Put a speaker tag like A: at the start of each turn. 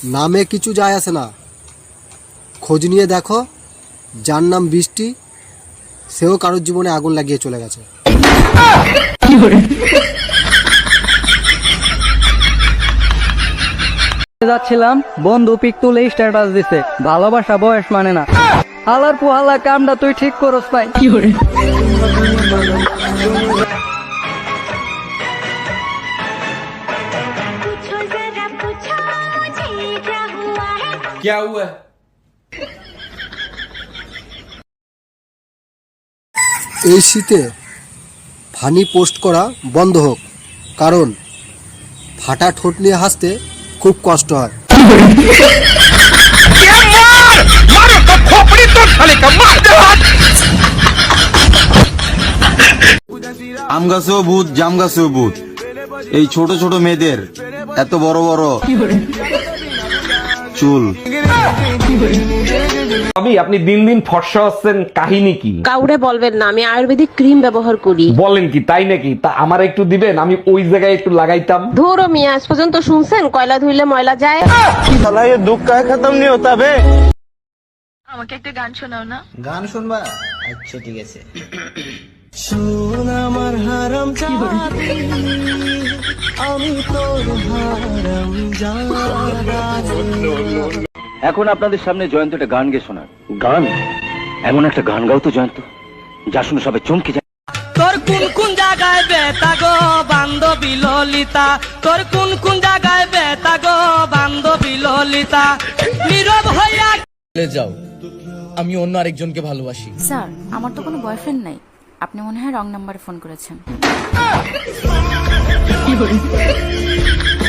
A: নামে কিছু যায় আসে না, খোঁজ নিয়ে দেখো যার নাম বৃষ্টি সেও কারোর জীবনে আগুন লাগিয়ে চলে গেছে।
B: যাচ্ছিলাম, বন্ধু পিক তুলে স্ট্যাটাস দিছে, ভালোবাসা বয়স মানে না। হালার পুহালা কামটা তুই ঠিক করস নাই।
C: क्या हुआ?
A: এই শীতে ফানি পোস্ট করা বন্ধ হোক, কারণ ফাটা ঠোঁট নিয়ে হাসতে খুব কষ্ট হয়।
D: আম গাছেও ভূত, জাম গাছেও ভূত। এই ছোট ছোট মেয়েদের এত বড় বড় চুল।
C: আপনি দিন দিন ফর্সা হচ্ছেন, কাহিনী কি?
E: কাউরে বলবেন না, আমি আয়ুর্বেদিক ক্রিম ব্যবহার করি।
C: বলেন কি, তাই নাকি? তা আমার একটু দিবেন, আমি ওই জায়গায় একটু লাগাইতাম।
E: ধরো মিয়া, আজ পর্যন্ত শুনছেন কয়লা ধুইলে ময়লা যায়?
F: আমাকে একটা গান শোনাও না।
G: গান শুনবা? আচ্ছা ঠিক আছে।
H: এখন আপনাদের সামনে জয়ন্ত একটা গান গেয়ে শোনার। গান? এমন একটা গান গাও তো জয়ন্ত, যা শুনে সবাই চমকে যায়।
B: তোর কোন কোন জায়গায় বেতা গো বান্ধবী ললিতা, তোর কোন কোন জায়গায় বেতা গো বান্ধবী ললিতা, নীরব হইয়া
I: যাও, আমি অন্য আরেকজনকে ভালোবাসি।
F: স্যার, আমার তো কোনো বয়ফ্রেন্ড নাই, আপনি মনে হয় রং নাম্বারে ফোন করেছেন।